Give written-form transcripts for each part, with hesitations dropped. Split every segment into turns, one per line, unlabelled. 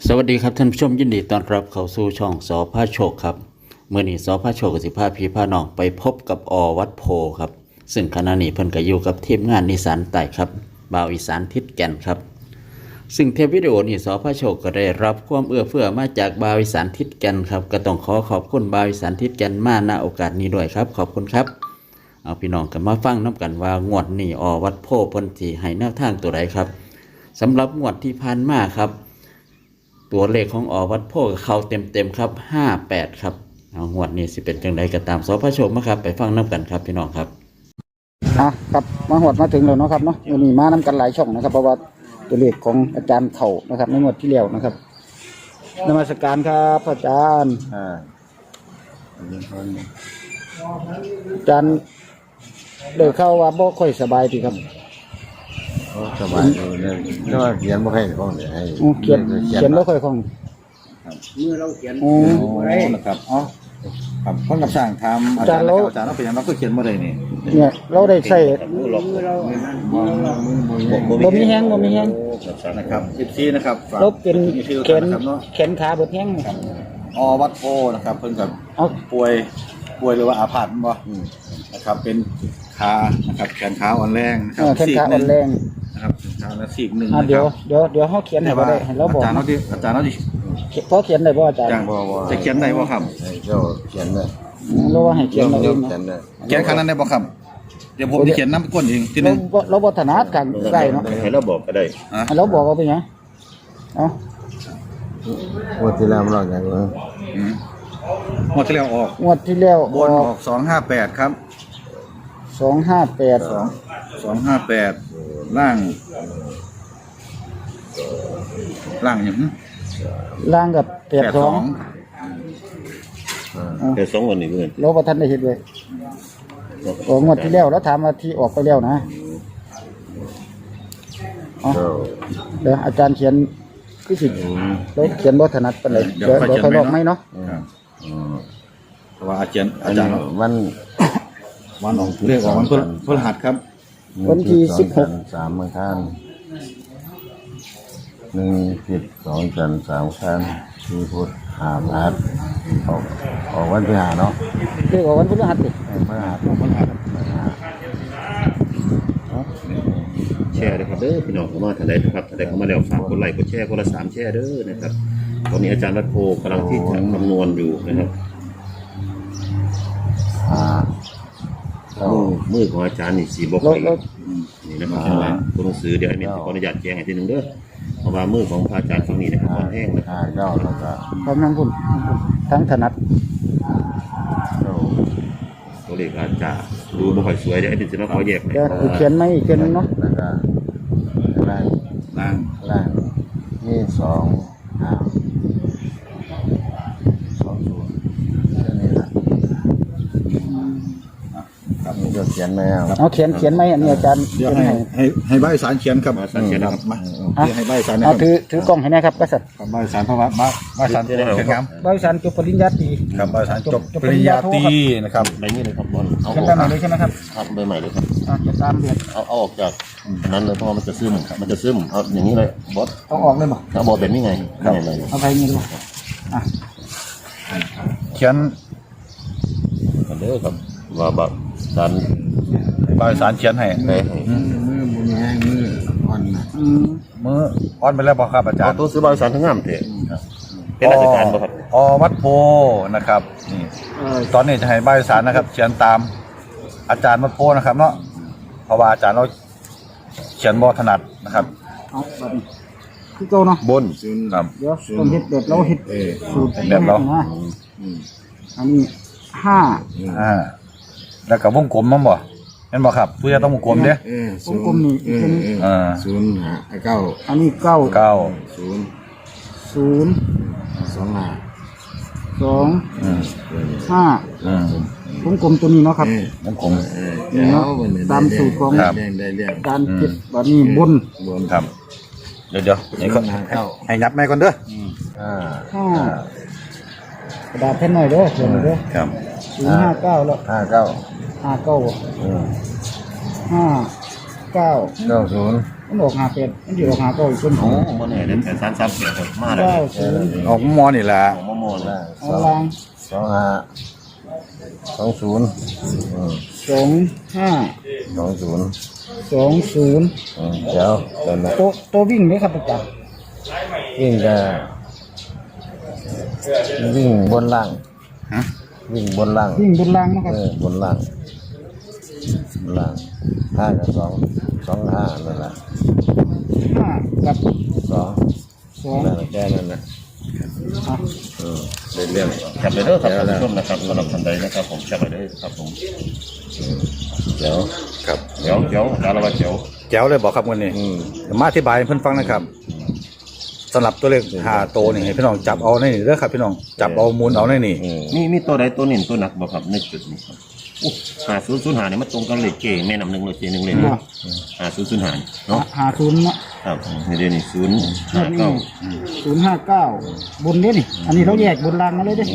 สวัสดีครับท่านผู้ชมยินดีต้อนรับเข้าสู่ช่องสอพาโชคครับเมื่อนี้สอพาโชคกับสิพาพี่พาน้องไปพบกับวัดโพครับซึ่งขณะนี้เพิ่นก็อยู่กับทีมงานนิสานใต้ครับบ่าวอีสานทิศแก่นครับซึ่งเทปวิดีโอนี้สอพาโชคก็ได้รับความเอื้อเฟื้อมาจากบ่าวอีสานทิศแก่นครับก็ต้องขอบคุณบ่าวอีสานทิศแก่นมาณโอกาสนี้ด้วยครับขอบคุณครับเอาพี่น้องกันมาฟังน้ำกันว่างวดนี้วัดโพเพิ่นสิให้แนวทางตัวใดครับสำหรับงวดที่ผ่านมาครับตัวเลขของวัดโพเขาเต็มครับ58ครับเอางวดนี้สิเป็นจังไดก็ตามสพชมครับไปฟังน้ำกันครับพี่น้องครับ
ครับมาหวดมาถึงแล้วเนาะครับเนาะวันนี้มานํกันหลายช่องนะครับเพราะว่าตัวเลขของอาจารย์เข่านะครับในงวดที่แล้วนะครับนมัสการครับอาจารย์อาจารย์เดินเข้าว่าบ่ค่อยสบายดีครับ
สบายเลยก็เขียนบ่ให้ของเดี๋ยวให้
เขียนบ่ค่อยคล่อง
มือเราเขียนนะครับครับคนกับสร้างทำอาจารย์เราเป็นยังเราก็เขียนบ่ได้นี่
เนี่ยเราได้ใส่บ่มีแห้ง
นะครับ14นะครับ
เราเป็นแขนขาบ่แห้ง
วัดโพนะครับเพิ่นกับป่วยหรือว่าอาพาธบ่นะครับเป็นขานะครับแขนขาอ่อนแรงนะครับ
แขนขาอ่อนแรง
นะครับขาละซีกนึง
เดี๋ยวเฮาเขียนให้บ่ได้ให้เราบอก
อาจารย์เราดิ
พอเขียนได้บ่อาจารย์
จะเขียนได้บ่ครับเขียนได้
เราว่าให้เขียนเอง
เขียนขนาดได้บ่ครับเดี๋ยวผมจะเขียนน้ำก้นเองทีนึง
เราบ่ถนัดกันได้เนาะ
ให้เราบอกก็ได้
ให้เราบอกเอาไปหยัง
งวดที่แล้วเราอย่างไรงวดที่แล้วออก
งวดที่แล้ว
บนออก258ครับ258ล่างอย่าง
ล่างกับ82
วันนี้เพื่อน
เราบ่ทันได้เฮ็ดเลยงวดที่แล้วแล้วถามว่าที่ออกไปแล้วนะเดี๋ยวอาจารย์เขียนคือสิเราเขียนบ่ถนัดปานใดเดี๋ยวค่อยบอกไหมเนาะ
เพราะว่าอาจารย์วันออกเรียกออกวันพฤหัสครับ
วันที่16
3มื้อคัน1 10 2จันทร์3คัน4พุธ5พฤหัสออกวันที่5เนาะ
เรียกออกวันพฤหัสดิ
แชร์ด้วยครับเด้อพี่น้องเข้ามาท่านใดนะครับท่านใดเข้ามาแล้วฝากกดไลค์กดแชร์คนละ3แชร์เด้อนะครับตอนนี้อาจารย์รัตโพกำลังที่จะคำนวณอยู่นะครับมือของอาจารย์นี่สีบกนี่นะครับตัวหนังสือเดี๋ยวไอ้เมนขออนุญาตแจ้งให้ทีนึงเด้อเพราะว่ามือของพระอาจารย์ฝั่งนี้นะครับแห้งนะครับ
กำลังพุ่นทั้งถนัด
ตัวเลขอาจจะดูบ่ค่อยสวยเดี๋ยวไอ้เมนจะมาขอแยก
เดี๋ยวเขียนไม่เขียนเนาะ
ล่างนี่ครับนี่ก็เขียนมา
เอาเขียนไหมอันนี้อาจารย์
เดี๋ยวให้ใบสารเขียนครับนะครับมาให้ใบสาร
นะครับถือกล้องให้นะครับกษัตริย์
ใบสารพระวัดใบสารเขียนครับ
ใบสารจบปริญญาตรี
ครับใบสารจบปริญญาตรีนะครับ
ใบนี้เลยครับบอล
เขียนใบใหม่เลยใช่ไหมครับ
ครับใบใหม่เลยครับ
จะตามเดือน
เอาออกจากนั้นเลยเพราะมันจะซึมเอาอย่างนี้เลยบอส
ต้องออกเลยมั้ง
เอาบอสแบบนี้ไง
เอาไปนี่เลย
เขียน
กันเด้อครับว่าแบบ
ใบสารเขียนให้
มือ
อ่อนมืออ่อนไปแล้วบ่ครับอาจารย์
ตัวซื้อใบสารทั้งงามเถอะเป็นราชการบ่ครับ
วัดโพนะครับนี่ตอนนี้จะให้ใบสารนะครับเขียนตามอาจารย์วัดโพนะครับเนาะเพราะว่าอาจารย์เราเขียนบ่ถนัดนะครับ
คือเก่าเนาะ
บนครับ
เดี๋ยวต้องเฮ็ดแบบเราเฮ็ดสูตร
แบบเรา
อันนี้5
แล้วกับวงกลมมั้งบ่เห็นบ่ครับผู้จะต้องวงกลมเด้
วงกลมนี่
0 9
อันนี้9 0 2 5วงกลมตัวนี้เนาะครับ
วงกลม
เนาะตามสูตรของการเก็บแบบนี้บน
ครับเดี๋ยวให้ยับแม่ก่อนเด้อ
กระดาษแผ่นหน่อยเด้อเขียนเด้อ
ครับ
059แล้ว
59
59 59
90
มันออก58มันสิออก59อีกคน
โอ้บ่แน่เด้อแต่338ครับมาแล้ว
90
ออกมอนี่แหละ
ของมะม่วงนะ
เอาล่าง
25
20
เดี๋ยวเดินนะ
ตัววิ่งไหมครับอาจารย์
วิ่งจะวิ่งบนล่าง
ฮะ
วิ่งบนล่าง
วิ่งบนล่างนะครับ
บนล่าง5 กับ 2 5นั่นแหละ
5 กับ
2นั่นแหละแค่นั้นนะ
อ่ะ
เรื่องจับไปเด้อครับท่านผู้ชมนะครับสำหรับท่านใดนะครับผมจับไปเด้อครับผมเดี๋ยว
ครับ
เดี๋ยวจารวัตเดี๋ยว
แจ๋วเลยบอกครับวันนี้เดี๋ยวมาอธิบายให้เพื่อนฟังนะครับสำหรับตัวเลข5ตัวนี่ให้พี่น้องจับเอาในนี่เด้อครับพี่น้องจับเอามูลเอาในนี่
มีตัวใดตัวหนึ่งตัวหนักบ่ครับในจุดนี้ครับ5005เนี่ยมันตรงกันเลขเก่งแม่นำหนึ่งเลยเจหนึ่งเลยนะ5005เนาะ
50เนาะ
ครับนี่เดี๋ยวนี้059
059บนเด้นี่อันนี้เราแยกบนล่างมาเลยเด้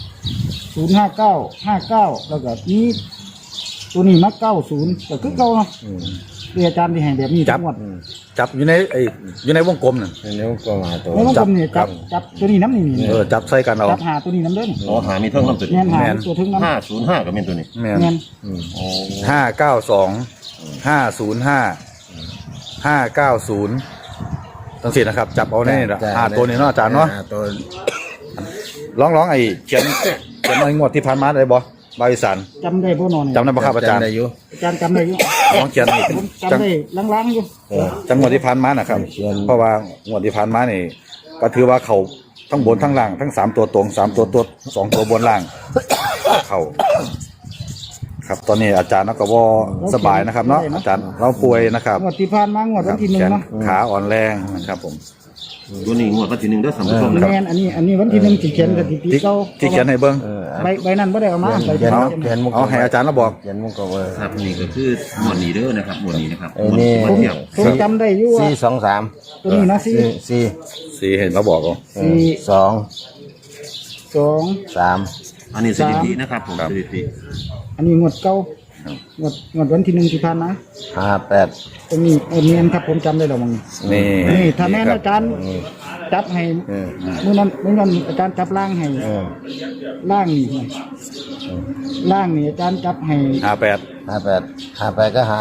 059 แล้วก็นี้ตัวนี้มา90ก็คือเก่าเนาะคืออาจารย์ที่ให้แบบนี้ทั้งหมด
จับอยู่ในอยู่ในวงกลมน่ะ
นิ้วก็มาตัว
แล้วมันผมนี่จับตัวนี้น้ำนี่นี่
จับใส่กันเอา
จับหาตัวนี้น้ำเด้น
อ๋อหามีเท่าน้ำตัว
แม่
นี้
นหาตัวถึงน้ำ
505ก็เป็นตัวนี้
แม่น
แม่น
โอ้
592 505 590ตั้งสี่นะครับ จับเอาในนี่ละ5ตัวนี้เนาะอาจารย์เนาะ
ตัว
ร้องไอ้เขียนไอ้งวดที่ผ่านมาได้บ่บาวิสัน
จำได้บ่นอน
จำได้บ่ครับอาจารย์
ได้อยู่
อาจารย์จำได้อยู่
ลองเขียนนี่
ผมจำได้ล้างๆอยู่
จังหวดที่ผ่านมานะครับ เพราะว่างวดที่ผ่านมานี่ก็ถือว่าเขาทั้งบนทั้งล่างทั้ง3ตัวตรง3ตัวตัว2ตัวบนล่างเขาครับตอนนี้อาจารย์ก็บ่สบายนะครับเนาะอาจารย์เราป่วยนะครับ
งวดที่ผ่านมางวดวันที่
แขน
1เนาะ
ขาอ่อนแรงนะครับผม
ตัวนี้งวดวันที่1เด้อท่านผู้ชม
แม่นอันนี้วันที่1สิเขียนสถิติ
ที่
เก่า
ที่เขียนให้เบิ่ง
ใบนั้นบ่ได้เอามาใบ
เขียน
เขียน
เอาให้อาจารย์เราบอก
เขียนมุกก็ว่าครับนี่ก็คือหมวดนี้เด้อนะครับหมวดนี้นะครับหมวด
ผ
นี้
ม
เทียบ
ผมจำได้อยู่ว่า
423
ตัวนี้นะสี่
สีเห็นเราบอกเอา
2 3
3
อันนี้สถิตินะครับผมสถิติ
อันนี้งวดเก่างวดวันที่1ที่ผ่านมา
58
ตรงนี้เมียนครับผมจำได้แล้วมั้ง
นี่
นี่ถ้าแม่นอาจารย์จับให้มื้อนั้นอาจารย์จับล่างให้ล่างนี่ให้ล่างนี่อาจารย์จับให้
58
ก็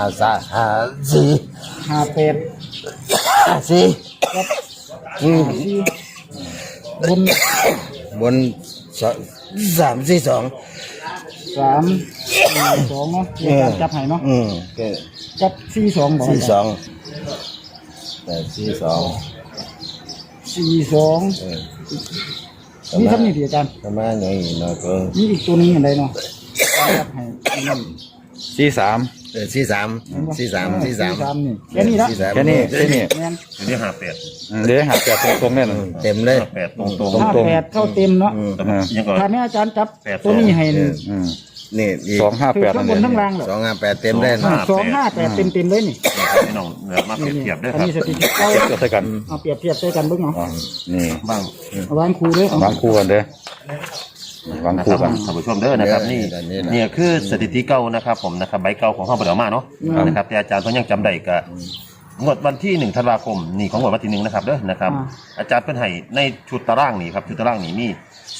54
58
4
กับ4บน
บน342
3 2เนาะอาจารย์จับให้เนาะ
ก็
จับ42บ่อาจารย์
42แต่42
42มีคำนี้ที่อาจารย์
ประมาณอย่างนี้เนาะก็
มีอีกตัวหนึงอันใดเนาะจับให้นั่น
43
43
นี่แค่นี้ละ
แค่นี้แค่นี้
แม่น
อันนี้58
เดี๋ยวหา8ตรงๆแน่นอน
เต็มเลย58ตรงๆ
58เข้าเต็มเนาะ
แต่ว่ายังก็
ถ้าแม่อาจารย์จับตัวนี้ให้นี่
นี่อีก
คือ
258
ข้า
นั่
ง
น
บ
เอน ง
ทั้งล่างเหรอ
258เต็มได้นะ
258เต็มเลยนี่
พี่น้องมาเปรียบเทียบด้วย
อัน
ครับ
นี้สถิติเก่า
เทียบใส่กัน
เอาเปรียบเทียบใส่กันเบิ่งเอา
อ๋อนี่
บ้าง
เอาวางครูเด้อเอา
วางคู่กันเด้อวาง
นะค
คู่
รับ
กัน
ท่านผู้ชมเด้อนะครับนี่นี่คือสถิติเก่านะครับผมนะครับใบเก่าของห้องปฐมมาเนาะนะครับแต่อาจารย์ก็ยังจำได้กับงวดวันที่1 ธันวาคมนี่ของงวดวันที่1นะครับเด้อนะครับอาจารย์เป็นให้ในชุดตารางนี่ครับชุดตารางนี่มี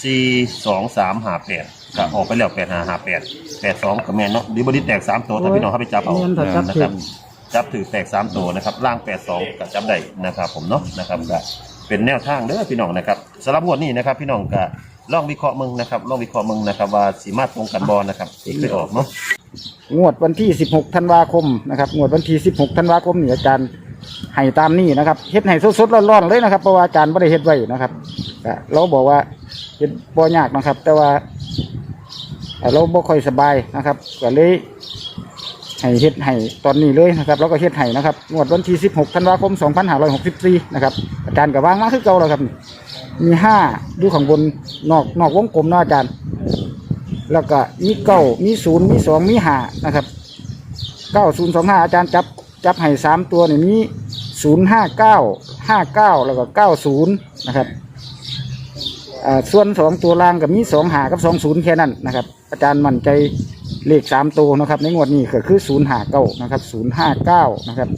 42358ก็ออกไปแล้ว8558 82ก็แม่นเนาะดิบอดี้แตก3ตัวถ้าพี่น้องเข้าไปจับเอา
เงินถ้าจับ
นะ
ถึ
ครับ
ง
จับถือแตก3ตัวนะครับล่าง82ก็จับได้นะครับผมเนาะนะครับก็เป็นแนวทางเด้อพี่น้องนะครับสำหรับงวดนี้นะครับพี่น้องก็ลองวิเคราะห์มึงนะครับลองวิเคราะห์มึงนะครับว่าสีมาตรงกันบอลนะครับที่เคยออกเนาะ
งวดวันที่16ธันวาคมนะครับงวดวันที่16ธันวาคมนี่อาจารย์ให้ตามนี้นะครับเฮ็ดให้สดๆร้อนๆเลยนะครับเพราะว่าอาจารย์บ่ได้เฮ็ดไว้นะครับก็เราบอกว่าเฮ็ดบ่ยากนะครับ แต่ว่าเราบ่ค่อยสบายนะครับก็เลยให้เฮ็ดให้ตอนนี้เลยนะครับแล้วก็เฮ็ดให้นะครับงวดวันที่16ธันวาคม2564นะครับอาจารย์ก็วางมาคือเก่าแล้วครับมี5อยู่ข้างบนนอกวงกลมเนาะอาจารย์แล้วก็มี9มี0มี2มี5นะครับ9025อาจารย์จับให้3ตัวนี่มี059 59แล้วก็90นะครับส่วน2ตัวล่างก็มี25กับ20แค่นั้นนะครับอาจารย์มั่นใจเลข3ตัวนะครับในงวดนี้ก็คือ059นะครับ059นะครับ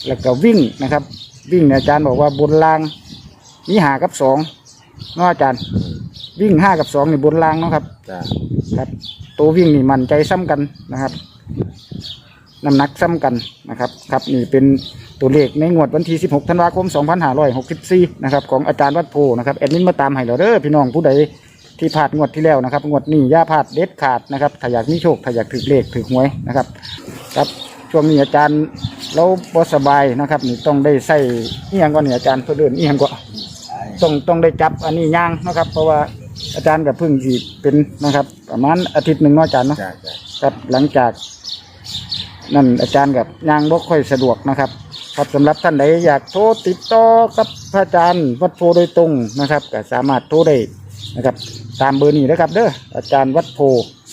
แล้วก็วิ่งนะครับ วิ่งเนี่ยอาจารย์บอกว่าบนรางมี5 กับ 2เนาะอาจารย์วิ่ง5 กับ 2นี่บนรางเนาะครับ
จ้า
ครับตัววิ่งนี่มั่นใจซ้ำกันนะครับน้ำหนักซ้ำกันนะครับครับนี่เป็นตัวเลขในงวดวันที่16 ธันวาคม 2564นะครับของอาจารย์วัดโพนะครับแอดมินมาตามให้เราเด้อพี่น้องผู้ใดที่พลาดงวดที่แล้วนะครับงวดนี้อย่าพลาดเด็ดขาดนะครับถ้าอยากมีโชคถ้าอยากถือเลขถือหวยนะครับครับช่วงนี้อาจารย์เราบ่สบายนะครับนี่ต้องได้ใส่เอียงก่อนนี่อาจารย์เพื่อเดินเอียงก่อนต้องได้จับอันนี้ย่างนะครับเพราะว่าอาจารย์กับพึ่งที่เป็นนะครับประมาณอาทิตย์หนึ่งเนาะอาจารย์เนาะ
จ้าจ้า
ครับหลังจากนั่นอาจารย์กับย่างบ่ค่อยสะดวกนะครับครับสำหรับท่านใดอยากโทรติดต่อกับพระอาจารย์วัดโพโดยตรงนะครับก็สามารถโทรได้นะครับตามเบอร์นี้นะครับเด้ออาจารย์วัดโพ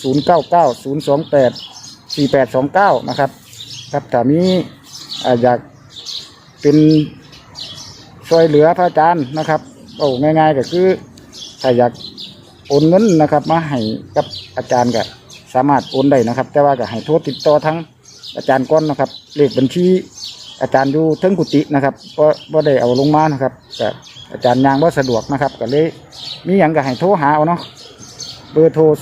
0990284829นะครับครับถ้ามีอยากเป็นช่วยเหลือพระอาจารย์นะครับโอ้ง่ายๆก็คือถ้าอยากโอนเงินนะครับมาให้กับอาจารย์ก็สามารถโอนได้นะครับแต่ว่าก็ให้โทรติดต่อทั้งอาจารย์ก้อนนะครับเลขบัญชีอาจารย์อยู่เทิงกุฏินะครับก็ได้เอาลงมานะครับแต่อาจารย์ยางว่าสะดวกนะครับก็เลยมีอย่างก็ให้โทรหาเอาเนาะเบอร์โทร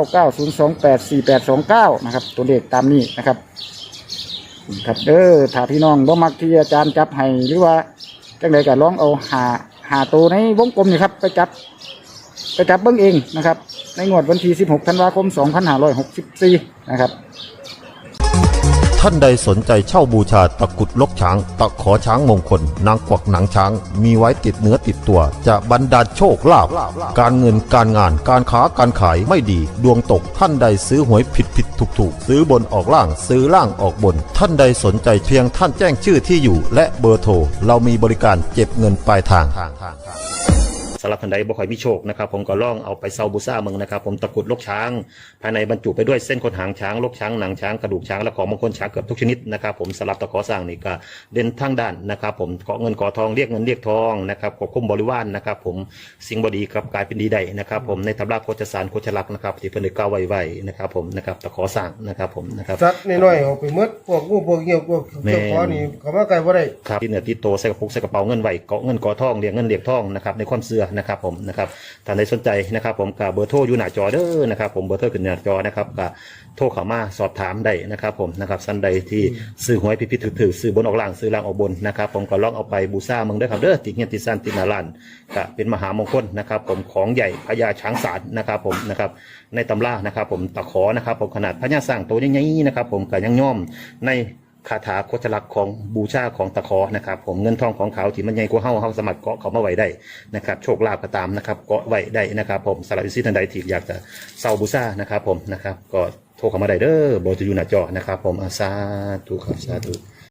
0990284829นะครับตัวเลขตามนี้นะครับครับถ้าพี่น้องบ่มักที่อาจารย์จับให้หรือว่าจังใดก็ลองเอาหาตัวในวงกลมนี่ครับไปจับเบิ่งเองนะครับในงวดวันที่16 ธันวาคม 2564นะครับ
ท่านใดสนใจเช่าบูชาตะกรุดลกช้าง ตะขอช้างมงคล นางกวักหนังช้าง มีไว้ติดเนื้อติดตัว จะบรรดาลโชคลาภการเงินการงานการค้าการขายไม่ดี ดวงตกท่านใดซื้อหวยผิดถูกซื้อบนออกล่างซื้อล่างออกบน ท่านใดสนใจเพียงท่านแจ้งชื่อที่อยู่ และเบอร์โทรเรามีบริการเก็บเงินปลายทาง
สำหรับท่านใดบ่ค่อยมีโชคนะครับผมก็ล่องเอาไปเซาบูซ่าเมืองนะครับผมตะกรุดลกช้างภายในบรรจุไปด้วยเส้นขนหางช้างลกช้างหนังช้างกระดูกช้างและของมงคลช้างเกือบทุกชนิดนะครับผมสำหรับตะขอสร้างนี่ก็เด่นทั้งด้านนะครับผมเกาะเงินเกาะทองเรียกเงินเรียกทองนะครับควบคุมบริวารนะครับผมสิ่งบดีกลับกลายเป็นดีได้นะครับผมในตำราโคจรสารโคจรลักษณ์นะครับที่เพิ่นได้กล่าวไว้นะครับผมนะครับตะขอสร้างนะครับผมนะครับ
สัตว์น้อยๆออกไปหมดพวกงูพวกเหี่ยวพวกเจ้าของนี่เขามาไกลบ่ได้
ครับที่เหนือที่โตใส่กระปุกใส่กระเป๋าเงินไหวเกาะเงินเกาะทองเรียกเงินเรียกทองนะครับในความเชื่อนะครับผมนะครับท่านใดสนใจนะครับผมกับเบอร์โทรอยู่หน้าจอเด้อนะครับผมเบอร์โทรขึ้นหน้าจอนะครับกับโทรเข้ามาสอบถามได้นะครับผมนะครับท่านใดที่ซื้อหวยผิดๆถือซื้อบนออกล่างซื้อล่างออกบนนะครับผมก็ลองเอาไปบูชาเมืองเด้อครับเด้อติเงียนติซันตินาลันก็เป็นมหามงคลนะครับผมของใหญ่พญาช้างศาลนะครับผมนะครับในตำรานะครับผมตะขอนะครับผมขนาดพญาสร้างตัวใหญ่ๆนะครับผมก็ยังย่อมในคาถาโคจรลักษณ์ของบูชาของตะขอนะครับผมเงินทองของเขาที่มันใหญ่กว่าเฮาสามารถเกาะเขามาไว้ได้นะครับโชคลาภก็ตามนะครับเกาะไว้ได้นะครับผมสำหรับท่านใดที่อยากจะเซาบูชานะครับผมนะครับก็โทรเข้ามาได้เด้อเบอร์จะอยู่หน้าจอนะครับผมสาธุครับสาธุ